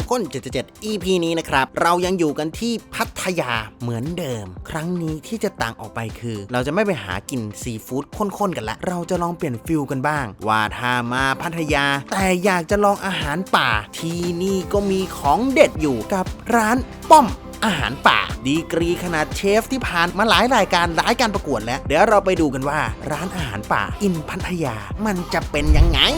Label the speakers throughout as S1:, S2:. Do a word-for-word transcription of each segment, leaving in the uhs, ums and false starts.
S1: ข้นเจ็ดสิบเจ็ด อี พี นี้นะครับเรายังอยู่กันที่พัทยาเหมือนเดิมครั้งนี้ที่จะต่างออกไปคือเราจะไม่ไปหากินซีฟู้ดข้นๆกันละเราจะลองเปลี่ยนฟิลกันบ้างว่าถ้ามาพัทยาแต่อยากจะลองอาหารป่าที่นี่ก็มีของเด็ดอยู่กับร้านป้อมอาหารป่าดีกรีขนาดเชฟที่ผ่านมาหลายรายการหลายการประกวดแล้วเดี๋ยวเราไปดูกันว่าร้านอาหารป่าอินพัทยามันจะเป็นยังไง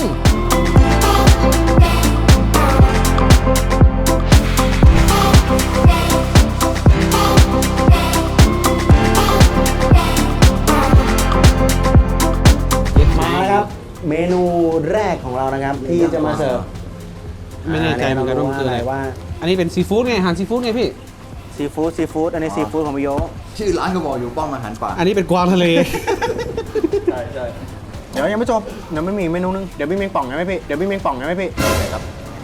S1: มาแล้วครับเมนูแรกของเรานะครับที่จะมาเสิร์ฟ
S2: ไม่แน่ใจเหมือนกันว่ามันคืออะไรว่าอันนี้เป็นซีฟู้ดไงอาหารซีฟู้ดไงพี่
S1: ซีฟู้ดซีฟู้ดอันนี้ซีฟู้ดของพี่โย
S3: ชื่อร้านก็บอกอยู่ป้อมอาหารป่า
S2: อันนี้เป็นกวางทะเล
S3: ใช่ใช่
S1: เดี๋ยวยังไม่จบเดี๋ยวไม่มีเมนูนึงเดี๋ยวพี่เมงป่องไงไหมพี่เดี๋ยวพี่เมงป่องไงไหมพี่อะไรครับ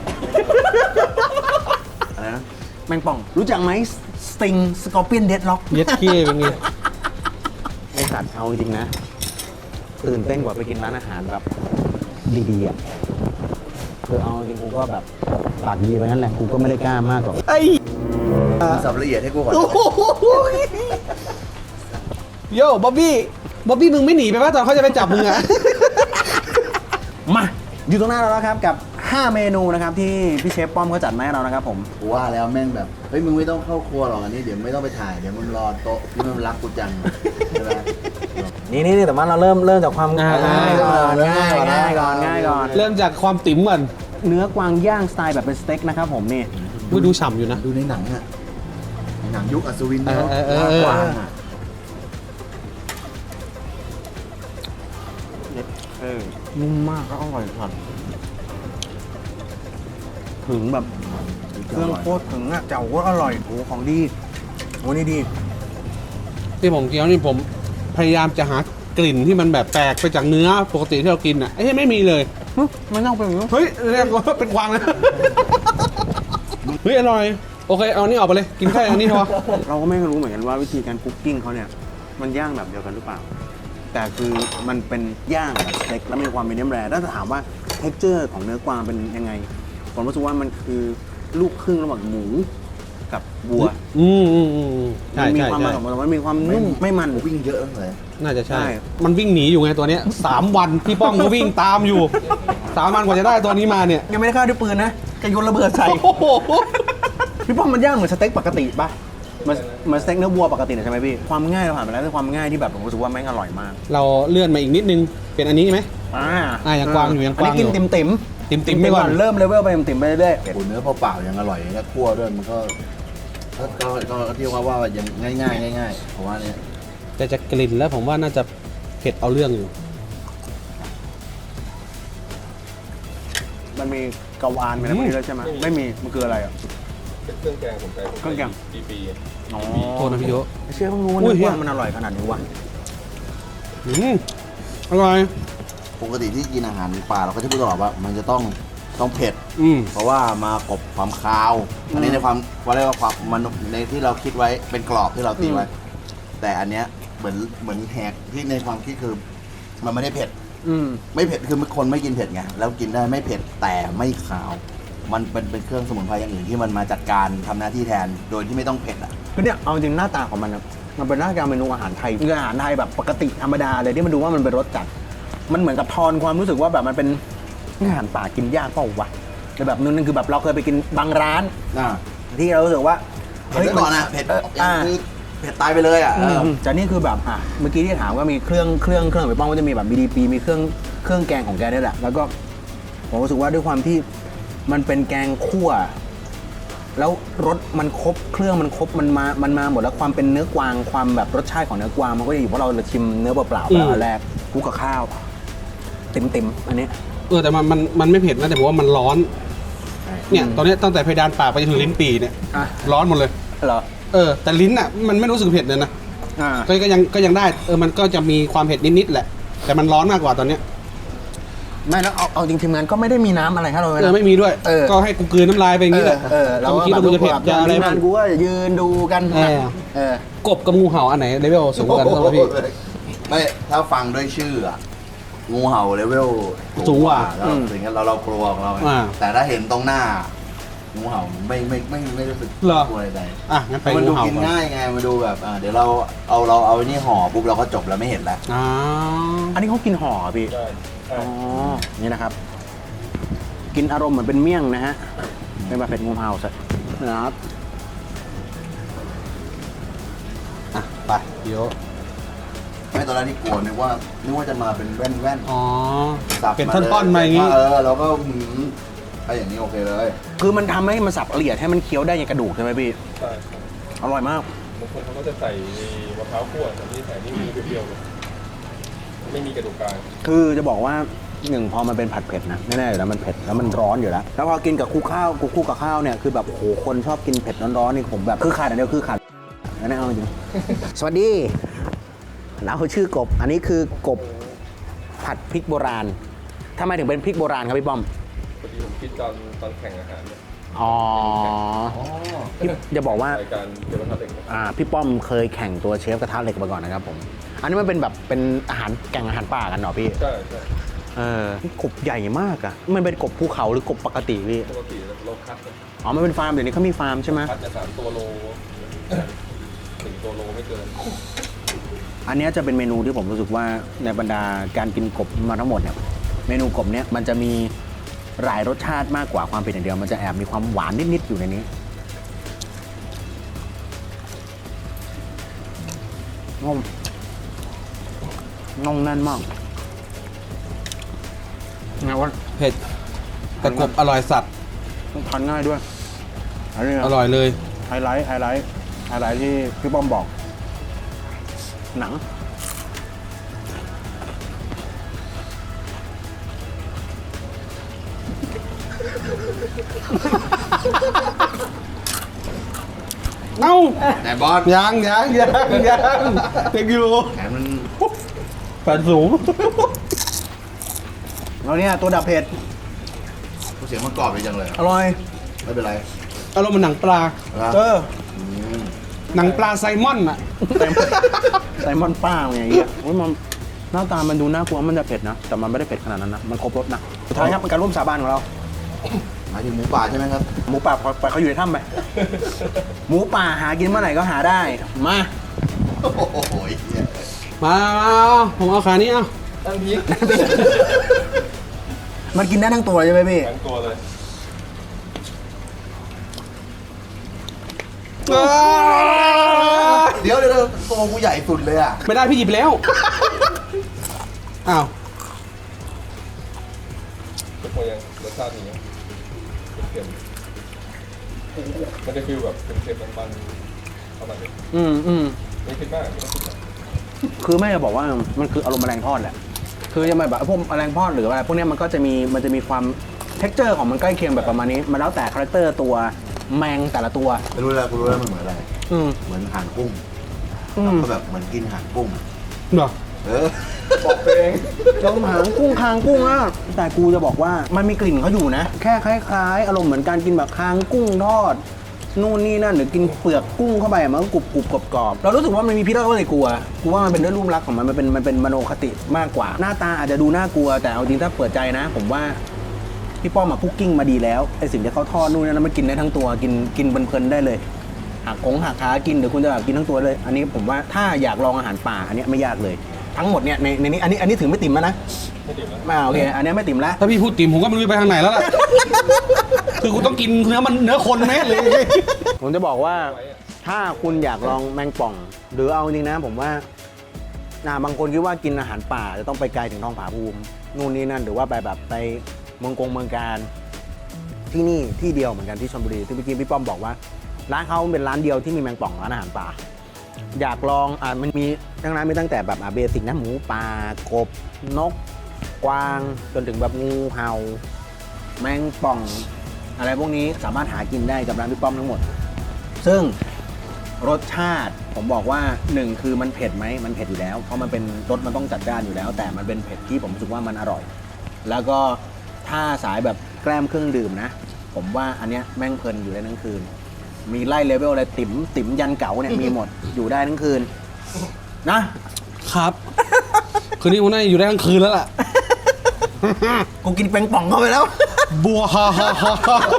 S1: อะไรนะแมงป่องรู้จักไหมสติงสกอร์เปียนเดดล็อก
S2: เย็ดเกี้เป็นไง
S1: ไอสัตว์เอาจริงนะตื่นเต้นกว่าไปกินร้านอาหารแบบดีๆอ่ะคือเอาจริงกูก็แบบปากดีไปนั่นแหละกูก็ไม่ได้กล้ามากหรอกไอ้
S3: สับละเอียดให้กูก่อน
S2: โย่บ๊อบบี้บ๊อบบี้มึงไม่หนีไปป่ะตอนเขาจะไปจับมึงอะ
S1: มาอยู่ตรงหน้าเราแล้วครับกับห้าเมนูนะครับที่พี่เชฟป้อมเขาจัดมาให้เรานะครับผม
S3: กูว่าแล้วแม่งแบบเฮ้ยมึงไม่ต้องเข้าครัวหรอกอันนี้เดี๋ยวไม่ต้องไปถ่ายเดี๋ยวมึงรอโต๊ะที่มันรักกูจังใช่ไหม
S1: นี่นี่แต่ว่าเราเริ่มเริ่มจากความง่ายก่อนง่ายง่ายก่อนง่ายก่อน
S2: เริ่มจากความติ๋มก่อน
S1: เนื้อกวางย่างสไตล์แบบเป็นสเต็กนะครับผมนี่
S2: ดูฉ่ำอยู่นะ
S3: ดูในหนังอะหนังยุคอัศวินเนาะกวางอะ
S1: นุ่มมากก็อร่อยสัดถึงแบบเครื่องโคตรถึงอ่ะเจ้าก็อร่อยโอ้ของดีโอ้นี่ดี
S2: ที่ผมเคี้ยวนี่ผมพยายามจะหากลิ่นที่มันแบบแปลกไปจากเนื้อปกติที่เรากินอ่ะไอ้ที่ไม่มีเลย
S1: ไม่ต้องเป็น
S2: เฮ้ยเรียกว่าเป็นกวางเลยเฮ้ยอร่อยโอเคเอานี่ออกไปเลยกินแค่อันนี้พอ
S1: เราก็ไม่รู้เหมือนกันว่าวิธีการคุกกิ้งเขาเนี่ยมันย่างแบบเดียวกันหรือเปล่าแต่คือมันเป็นย่างแบบสเต็กแล้วมีความเป็นเนื้อแร่ถ้าจะถามว่าเท็กเจอร์ของเนื้อกวางเป็นยังไงผมรู้สึกว่ามันคือลูกครึ่งระหว่างหมูกับวัว
S2: อืมอืมอืมใช่
S1: มี
S2: ใช่
S1: ความมันของมันมันมีความนุ่มไม่มัน
S3: วิ่งเยอะเลย
S2: น่าจะใช่มันวิ่งหนีอยู่ไงตัวเนี้ยสามวันพี่ป้องก็วิ่งตามอยู่สามวันกว่าจะได้ตัวนี้มาเนี่ย
S1: ยังไม่ได้ฆ่าด้วยปืนนะแกโยนระเบิดใส่พี่ป้องมันย่างเหมือนสเต็กปกติป่ะมันมันสเต็กเนื้อวัวปกติใช่ไหมพี่ความง่ายเราผ่านไปแล้วแต่ความง่ายที่แบบผมรู้สึกว่าแม่งอร่อยมาก
S2: เราเลื่อนมาอีกนิดนึงเป็นอันนี้ไหม
S1: อ่า
S2: อ่ายังกวางอยู่ยังกวางอยู่
S1: อันนี้กินติ่ม
S2: ติ่มติ่มไปก่อน
S1: เริ่มเลเวลไปติ่มไปเรื่อย
S3: ๆเนื้อเปล่าๆยังอร่อยแล้วคั่วด้วยมันก็ก็ก็ที่ว่าว่ายังง่ายง่ายง่ายเพราะว่าเนี่ย
S2: แต่จะกลิ่นแล้วผมว่าน่าจะเผ็ดเอาเรื่องอยู่
S1: มันมีกะวานเป็นอะไรด้วยใช่ไหมไม่มีมันคืออะไรอ่ะ
S3: เป็นเครื่องแกงผมไป
S1: เครื่องแกง
S3: ปีปี
S1: อ๋อ
S2: โทษนะพี่โย
S1: เชื่อเพิ่งรู้ว่ามันอร่อยขนาดนี้วะ
S2: อืมอร่อย
S3: ปกติที่กินอาหารป่าเราก็จะพูดตลอดว่ามันจะต้องต้องเผ็ดเพราะว่ามากบความคาวอันนี้ในความว่าเรียกว่าความมันในที่เราคิดไว้เป็นกรอบที่เราตีไว้แต่อันเนี้ยเหมือนเหมือนแหกที่ในความคิดคือมันไม่ได้เผ็ดไม่เผ็ดคือคนไม่กินเผ็ดไงแล้วกินได้ไม่เผ็ดแต่ไม่คาวมันเป็นเป็นเครื่องสมุนไพรอย่างอื่นที่มันมาจัดการทำหน้าที่แทนโดยที่ไม่ต้องเผ็ดอ่ะ
S1: คือเนี่ยเอาจริงหน้าตาของมันนะมันเป็นหน้าตาเมนูอาหารไทยคืออาหารไทยแบบปกติธรรมดาเลยที่มันดูว่ามันเป็นรสจัดมันเหมือนกับทอนความรู้สึกว่าแบบมันเป็นอาหารป่ากินยากเปล่าวะแต่แบบนึงคือแบบเราเคยไปกินบางร้านที่เรารู้สึกว่า
S3: เผ็ดก่อนนะเผ็ดคือเผ็ดตายไปเลยอ่ะ
S1: แต่นี่คือแบบอ่ะเมื่อกี้ที่ถามว่ามีเครื่องเครื่องเครื่องไปป้องก็จะมีแบบ บี ดี พี มีเครื่องเครื่องแกงของแกนี่แหละแล้วก็ผมรู้สึกว่าด้วยความที่มันเป็นแกงคั่วแล้วรสมันครบเครื่องมันครบมันมามันมาหมดแล้วความเป็นเนื้อกวางความแบบรสชาติของเนื้อกวางมันก็จะอยู่เพราะเราชิมเนื้อเปล่าๆแล้วแรกคู่กับข้าวเต็มๆอันนี้
S2: เออแต่มันมันมันไม่เผ็ดนะแต่ผมว่ามันร้อนเนี่ยตอนนี้ตั้งแต่เพดานปากไปจนถึงลิ้นปี่เนี่ยร้อนหมดเลย
S1: เหรอ
S2: เออแต่ลิ้นอ่ะมันไม่รู้สึกเผ็ดเลยนะก็ก็ยังก็ยังได้เออมันก็จะมีความเผ็ดนิดๆแหละแต่มันร้อนมากกว่าตอนเนี้ย
S1: ไม่แล้วเอาเอาจริงทีมงานก็ไม่ได้มีน้ำอะไรให้เราเลย
S2: เออไม่มีด้วยก็ให้กูกลืนน้ำลายไปอย่างนี้แหละ
S1: เออเรา
S2: คิดว่ามึงจะเผ็ดจะอะไร
S1: บ้างกูก็ยืนดูกัน
S2: เออกบกับงูเห่าอันไหนเลเวลสูงกว่ากันครับพี่
S3: ไม่ถ้าฟังด้วยชื่ออะงูเห่าเลเวล
S2: สูงกว่า
S3: แล้วถึงเราเรากลัวของเราแต่ถ้าเห็นตรงหน้างูเห่าไม่ไม่ไม่ไม่รู้สึก
S2: เหรอ
S3: กลัวอะไร
S2: อ่ะงั้นไป
S3: มัน
S2: งู
S3: ดู
S2: เห่า
S3: กิน
S2: ก่อน
S3: ง่ายไงมันดูแบบอ่าเดี๋ยวเราเอาเราเอาไอ้นี่ห่อปุ๊บเราก็จบแล้วไม่เห็นแล้ว
S2: อ๋อ
S1: อันนี้เขากินห่อพี่
S4: ใช่ใช่
S1: อ๋อ นี่นะครับ กินอารมณ์เหมือนเป็นเมี่ยงนะฮะ เป็นแบบเผ็ดงูเห่าสักนะครับ
S2: อ่ะไปเดี๋ยว
S3: ไม่ตอนแรกที่กลัวนึกว่านึกว่าจะมาเป็นแว่นแว่นๆ
S2: อ๋อ
S3: สับ
S2: เป็น
S3: มา
S2: ท่อนๆมาอย่างงี้
S3: เออเราก็หืมถ้าอย่างนี้โอเคเลย
S1: คือมันทำให้มันสับละเอียดให้มันเคี้ยวได้อย่างกระดูกใช่ไหมพี่
S4: ใช่ใช่
S1: อร่อยมาก
S4: บางคนเขาก็จะใส่มะพร้าวคั่วแต่นี่ใส่นี่มีเปรี้ยวๆเลยไม่มีกระดูกกลาง
S1: คือจะบอกว่าหนึ่งพอมันเป็นผัดเผ็ดนะแน่ๆอยู่แล้วมันเผ็ดแล้วมันร้อนอยู่แล้ว แล้วพอกินกับคู่ข้าวคู่คู่กับข้าวเนี่ยคือแบบโอ้โหคนชอบกินเผ็ดร้อนๆนี่ผมแบบคือขาดอันเดียวคือขาดอันนี้เอาจริง สวัสดีเราชื่อกบ อันนี้คือกบผัดพริกโบราณทำไมถึงเป็นพริกโบราณครับพี่ป้อม
S4: พอดีผมคิดตอนตอนแข่งอาหารเนี่ย
S1: อ๋อพี่จะบอกว่า
S4: รายการเกี่ยวกับทัพเด็ก
S1: อ่าพี่ป้อมเคยแข่งตัวเชฟกระทะเหล็กมาก่อนนะครับผมอันนี้มันเป็นแบบเป็นอาหารแก่งอาหารป่ากันเหรอพี่
S4: ใช่ใช่
S1: เออนี่กบใหญ่มากอะมันเป็นกบภูเขาหรือกบปกติพี่
S4: ปกติเราคัด
S1: อ๋อมันเป็นฟาร์มเดี๋ยวนี้เขามีฟาร์มใช่ไหม
S4: คัดจะสามตัวโลถึงตัวโลไม่เกิน
S1: อันเนี้ยจะเป็นเมนูที่ผมรู้สึกว่าในบรรดาการกินกบมาทั้งหมดเนี่ยเมนูกบเนี้ยมันจะมีหลายรสชาติมากกว่าความเผ็ดอย่างเดียวมันจะแอบมีความหวานนิดๆอยู่ในนี้น่องน่องแน่นมากไงวะ
S2: เผ็ดแต่กบอร่อยสัตว์
S1: ทานง่ายด้วยอันนี้
S2: อร่อยเลย
S1: ไฮไลท์ไฮไลท์ไฮไลท์ที่พี่ป้อมบอก หนัง
S2: เอ้า
S3: แต่บอส
S2: ยังยังยังยังเด็กอยู่
S3: แขนมัน
S2: แฟนสูง
S1: แล้วเนี่ยตัวดับเผ็ด
S3: เสียงมันกรอบไปจังเลย
S1: อร่อย
S3: ไม่เป็นไร
S2: อารมณ์เหมือนหนังปลา
S3: นะ
S1: เออ
S3: อืม
S2: หนังปลาไซมอนอ่ะ
S1: ไซมอนป้าไงเงี้ยโอ้ยมันหน้าตามันดูน่ากลัวมันจะเผ็ดนะ แต่มันไม่ได้เผ็ดขนาดนั้นนะ มันครบรสนะ สุดท้ายครับเป็นการร่วมสาบานของเรา
S3: หมายถึงหมูป่าใช่ไหมครับ
S1: หมูป่าปล่อยปล่อยเขาอยู่ในถ้ำไป หมูป่าหากินเมื่อไหร่ก็หาได้ มา
S3: โอ้โหเหี้ย
S2: มาผมเอาขานี้เอา
S4: ตั้งพริก
S1: มันกินได้ทั้งตัวใช่ไหมพี่
S4: ทั้งตัวเลย
S3: เดี๋ยวเดี๋ยวเดี๋ยวตัวกูใหญ่สุดเลยอ่ะ
S2: ไม่ได้พี่หยิบแล้วอ้าว
S4: ทุกคนยังรสชาตินี้เค็มๆมันจะฟีลแบบเค็มๆมันๆประมาณนี้
S1: อืมอืม
S4: ไม่คิดมากไม่ต้องคิดมาก
S1: คือแม่จะบอกว่ามันคืออารมณ์แมลงทอดแหละ คือจะมาแบบพวกแมลงทอดหรืออะไรพวกเนี้ยมันก็จะมีมันจะมีความเท็กเจอร์ของมันใกล้เคียงแบบประมาณนี้ มันแล้วแต่คาแรคเตอร์ตัวแมงแต่ละตัว
S3: ไม่รู้แล้วกูรู้แล้วมันเหมือนอะไร
S1: อืม
S3: เหมือนหางกุ้ง
S1: อืม
S3: ก็แบบเหมือนกินหางกุ้ง
S2: เหรอ
S3: เออ
S4: บอกเอง
S1: จมหางกุ้งคางกุ้งอ่ะแต่กูจะบอกว่ามันมีกลิ่นเขาอยู่นะ แค่คล้ายๆ อารมณ์เหมือนการกินแบบคางกุ้งทอดนู่นนี่นั่นหรือกินเปลือกกุ้งเข้าไปอะมันก็กรุบกรุบกรอบกรอบเรารู้สึกว่ามันมีพิษเราก็เลยกลัวกูว่ามันเป็นด้วยรูปลักษณ์ของมันมันเป็นมันเป็นมโนคติมากกว่า หน้าตาอาจจะดูน่ากลัวแต่เอาจริงถ้าเปิดใจนะ ผมว่าพี่ป้อมมาคุกกิ้งมาดีแล้วไอสิ่งที่เขาทอดนู่นนั่นมันกินได้ทั้งตัวกินกินเพลินๆได้เลยหักของหักขากินหรือคุณจะแบบกินทั้งตัวเลย อันนี้ผมว่าถ้าอยากลองอาหารป่าอันเนี้ยไม่ยากเลย ทั้งหมดเนี่ยในในนี้อันนี้อันนี้ถึงไม่ติ่มแล้วนะ
S4: ไม่ดื่มแล้ว
S1: อ่าโอเคอันเนี้ยไม่ติ่มแล้ว
S2: ถ้าพี่พูดติ่มผมก็ไม่รู้จะไปทางไหนแล้วล่ะ คือกูต้องกินเนื้อมันเนื้อคนแน่เลย
S1: ผมจะบอกว่าถ้าคุณอยากลองแมงป่อง หรือเอาจริงนะผมว่าน่าบางคนคิดว่ากินอาหารป่าจะต้องไปไกลถึงท้องผาภูมินู่นนี่นั่นหรือว่าไปแบบไปเมืองกงเมืองการที่นี่ที่เดียวเหมือนกันที่ชลบุรีที่เมื่อกี้พี่ป้อมบอกว่าร้านเขาเป็นร้านเดียวที่มีแมงป่องร้านอาหารป่า อยากลองอ่ามันมีทั้งร้านมีตั้งแต่แบบอ่าเบสิกนะหมูป่ากบนกกวางจนถึงแบบงูเห่าแมงป่อง อะไรพวกนี้สามารถหากินได้กับร้านพี่ป้อมทั้งหมด ซึ่งรสชาติผมบอกว่าหนึ่งคือมันเผ็ดไหมมันเผ็ดอยู่แล้วเพราะมันเป็นรสมันต้องจัดจ้านอยู่แล้ว แต่มันเป็นเผ็ดที่ผมรู้สึกว่ามันอร่อย แล้วก็ถ้าสายแบบแกล้มเครื่องดื่มนะ ผมว่าอันเนี้ยแม่งเพลินอยู่ได้ทั้งคืน มีไล่เลเวลอะไรติ๋มติ๋มยันเก๋าเนี่ยมีหมดอยู่ได้ทั้งคืนนะครับ
S2: คืนนี้ผมน่าจะอยู่ได้ทั้งคืนแล้วล่ะ
S1: กูกินแปงป่องเข้าไปแล้ว
S2: บัวฮ่าฮ่าฮ่า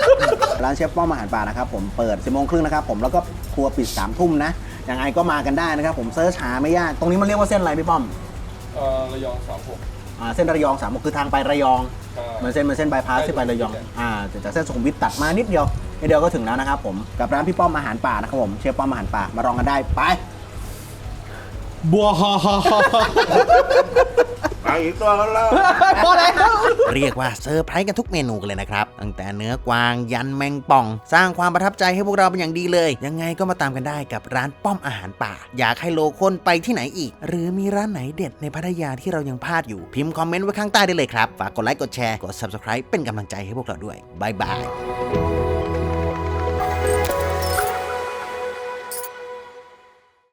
S1: ร้านเชฟป้อมอาหารป่านะครับผมเปิดสิบโมงครึ่งนะครับผมแล้วก็ครัวปิดสามทุ่มนะยังไงก็มากันได้นะครับผมเซิร์ชหาไม่ยากตรงนี้มันเรียกว่าเส้นอะไรพี่ป้อม
S4: เอ่อระยองสามหก
S1: อ่าเส้นระยองสามคือทางไประยอง
S4: ใช่
S1: เหมือนเส้นเหมือนเส้นบายพาสที่ไประยองอ่าจากเส้นสุขุมวิทตัดมานิดเดียวนิดเดียวก็ถึงแล้วนะครับผมกับร้านพี่ป้อมอาหารป่านะครับผมเชฟป้อมอาหารป่ามาลองกันได้ไป
S2: บัวฮอฮอฮอ
S3: ไปอีกตัวกันแล้ว
S2: พอแล้ว
S1: เรียกว่าเซอร์ไพรส์กันทุกเมนูกันเลยนะครับตั้งแต่เนื้อกวางยันแมงป่อง สร้างความประทับใจให้พวกเราเป็นอย่างดีเลย ยังไงก็มาตามกันได้กับร้านป้อมอาหารป่า อยากให้โลคนไปที่ไหนอีก หรือมีร้านไหนเด็ดในพัทยาที่เรายังพลาดอยู่พิมพ์คอมเมนต์ไว้ข้างใต้ได้เลยครับฝากกดไลค์กดแชร์กด ซับสไครบ์ เป็นกำลังใจให้พวกเราด้วยบายบาย